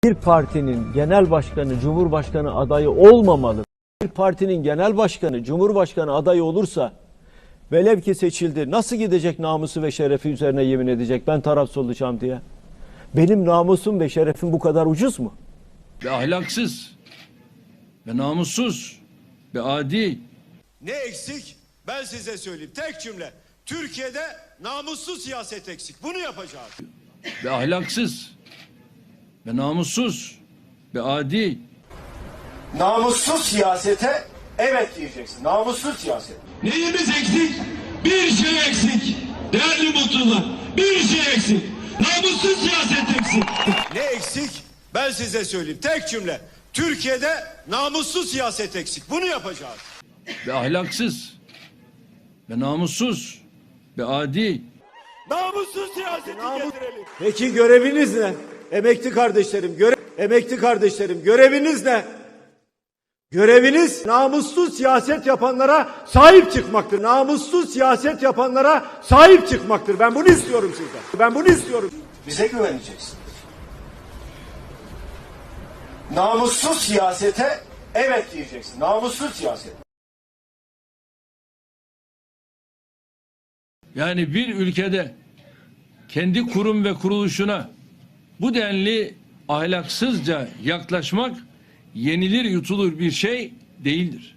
Bir partinin genel başkanı, cumhurbaşkanı adayı olmamalı. Bir partinin genel başkanı, cumhurbaşkanı adayı olursa velev ki seçildi, nasıl gidecek namusu ve şerefi üzerine yemin edecek ben tarafsız olacağım diye? Benim namusum ve şerefim bu kadar ucuz mu? Ve ahlaksız ve namussuz ve adi. Ne eksik? Ben size söyleyeyim. Tek cümle. Türkiye'de namussuz siyaset eksik. Bunu yapacağız. Ve ahlaksız ve namussuz ve adi. Namussuz siyasete evet diyeceksin. Namussuz siyaset. Neyimiz eksik? Bir şey eksik. Değerli mutlular, bir şey eksik. Namussuz siyaset eksik. Ne eksik? Ben size söyleyeyim. Tek cümle. Türkiye'de namussuz siyaset eksik. Bunu yapacağız. Ve ahlaksız ve namussuz ve adi. Namussuz siyaseti getirelim. Peki göreviniz ne? Emekli kardeşlerim, göreviniz ne? Göreviniz namussuz siyaset yapanlara sahip çıkmaktır. Namussuz siyaset yapanlara sahip çıkmaktır. Ben bunu istiyorum sizden. Ben bunu istiyorum. Bize güveneceksiniz. Namussuz siyasete evet diyeceksin. Namussuz siyaset. Yani bir ülkede kendi kurum ve kuruluşuna bu denli ahlaksızca yaklaşmak yenilir yutulur bir şey değildir.